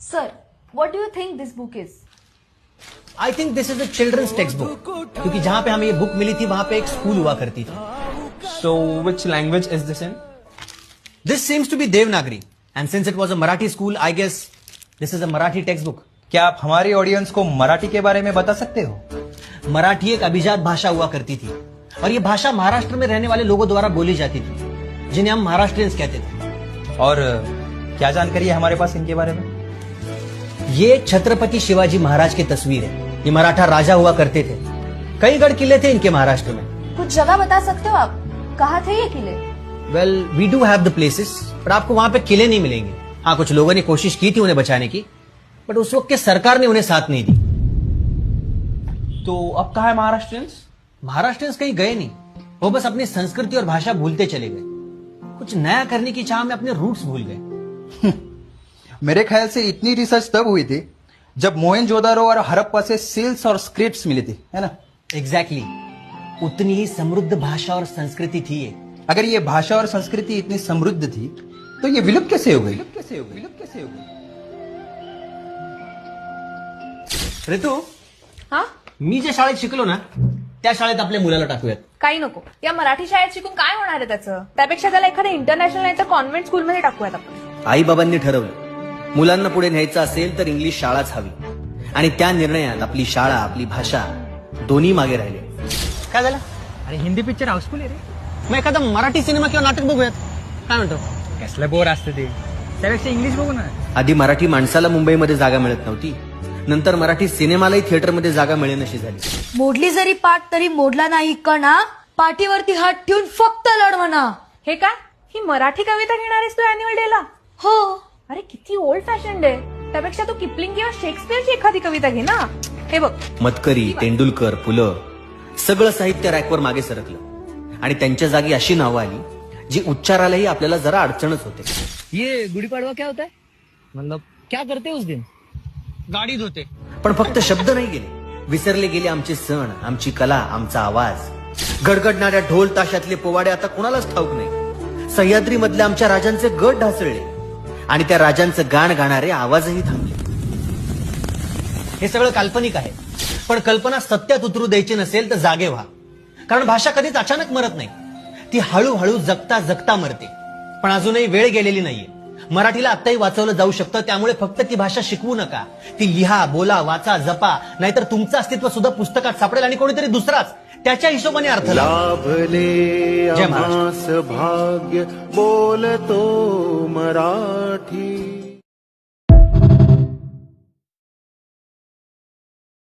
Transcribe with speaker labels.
Speaker 1: Sir, what do you think this book is?
Speaker 2: I think this is a children's text book, क्योंकि जहां पे हमें ये book milli थी वहां पे एक स्कूल हुआ करती थी.
Speaker 3: So, which language is this in?
Speaker 2: This seems to be Devanagari, and since it was a Marathi school, I guess this is a Marathi text book.
Speaker 4: क्या आप हमारी ऑडियंस को मराठी के बारे में बता सकते हो?
Speaker 2: मराठी एक अभिजात भाषा हुआ करती थी, और ये भाषा महाराष्ट्र में रहने वाले लोगों द्वारा बोली जाती थी, जिन्हें हम महाराष्ट्रियंस कहते थे.
Speaker 4: और क्या जानकारी है हमारे पास इनके बारे में?
Speaker 2: ये छत्रपति शिवाजी महाराज की तस्वीर है. ये मराठा राजा हुआ करते थे. कई गढ़ किले थे इनके महाराष्ट्र में.
Speaker 1: कुछ जगह बता सकते हो आप? कहाँ थे ये किले?
Speaker 2: Well, we do have the places, पर आपको वहां पे किले नहीं मिलेंगे. हाँ, कुछ लोगों ने कोशिश की थी उन्हें बचाने की, बट उस वक्त के सरकार ने उन्हें साथ नहीं दी.
Speaker 3: तो अब कहाँ है महाराष्ट्रियंस?
Speaker 2: महाराष्ट्रियंस कहीं गए नहीं, वो बस अपनी संस्कृति और भाषा भूलते चले गए. कुछ नया करने की चाह में अपने रूट्स भूल गए.
Speaker 4: मेरे ख्याल से इतनी रिसर्च तब हुई थी जब मोहनजोदारो और हड़प्पा से सील्स और स्क्रिप्ट्स मिली थी, है ना?
Speaker 2: एग्जैक्टली. उतनी ही समृद्ध भाषा और संस्कृति थी ये.
Speaker 4: अगर ये भाषा और संस्कृति इतनी समृद्ध थी तो ये विलुप्त कैसे हो गई?
Speaker 2: ऋतू,
Speaker 1: हा?
Speaker 2: मी ज्या शाळेत शिकलो ना त्या शाळेत आपल्या मुलाला टाकूयात.
Speaker 1: काही नको. या मराठी शाळेत शिकून काय होणार आहे त्याचं? त्यापेक्षा त्याला एखाद्या इंटरनॅशनल नाही तर कॉन्व्हेंट स्कूलमध्ये टाकूयात आपण.
Speaker 2: आई बाबांनी ठरवलं मुलांना पुढे न्यायचं असेल तर इंग्लिश शाळाच हवी, आणि त्या निर्णयात आपली शाळा, आपली भाषा दोन्ही मागे राहिले. काय झालं?
Speaker 5: अरे हिंदी पिक्चर हाऊसफुल आहे रे.
Speaker 2: मग एखादा मराठी सिनेमा किंवा नाटक बघूयात. काय म्हणतो?
Speaker 5: कसलं बोर असतं ते, त्यापेक्षा इंग्लिश बघू ना.
Speaker 2: आधी मराठी माणसाला मुंबईमध्ये जागा मिळत नव्हती, नंतर मराठी सिनेमालाही थिएटरमध्ये जागा मिळेनशी झाली.
Speaker 6: मोडली जरी पाठ तरी मोडला नाही कणा, पाठीवरती हात ठेवून फक्त लढ म्हणा.
Speaker 1: हे काय? ही मराठी कविता घेणार आहेस तू अॅन्युअल डेला?
Speaker 6: हो.
Speaker 1: अरे किती ओल्ड फॅशन आहे. त्यापेक्षा तू किपलिंग किंवा शेक्सपियरची एखादी कविता घे ना. हे बघ,
Speaker 2: मतकरी, तेंडुलकर, पुलं सगळं साहित्य रॅकवर मागे सरकलं, आणि त्यांच्या जागी अशी नावं आली जी उच्चारालाही आपल्याला जरा अडचणच होते.
Speaker 5: ये गुड़ी पड़वा क्या होता है? मतलब क्या करते उस दिन?
Speaker 2: गाडी धुते. पण फक्त शब्द नाही गेले, विसरले गेले आमचे सण, आमची कला, आमचा आवाज. गडगडणाऱ्या ढोल ताशातले पोवाडे आता कोणालाच ठाऊक नाही. सह्याद्री मधल्या आमच्या राजांचे गट ढासळले, आणि त्या राजांचं गाण गाणारे आवाजही थांबले. हे सगळं काल्पनिक आहे, पण कल्पना सत्यात उतरू द्यायची नसेल तर जागे व्हा. कारण भाषा कधीच अचानक मरत नाही, ती हळूहळू जगता जगता मरते. पण अजूनही वेळ गेलेली नाहीये. मराठीला आत्ताही वाचवलं जाऊ शकतं. त्यामुळे फक्त ती भाषा शिकवू नका, ती लिहा, बोला, वाचा, जपा. नाहीतर तुमचं अस्तित्व सुद्धा पुस्तकात सापडेल, आणि कोणीतरी दुसराच त्याच्या हिशोबाने अर्थ
Speaker 7: लाभले
Speaker 2: जय महाराष्ट्र.
Speaker 7: आम्हास भाग्य बोलतो मराठी.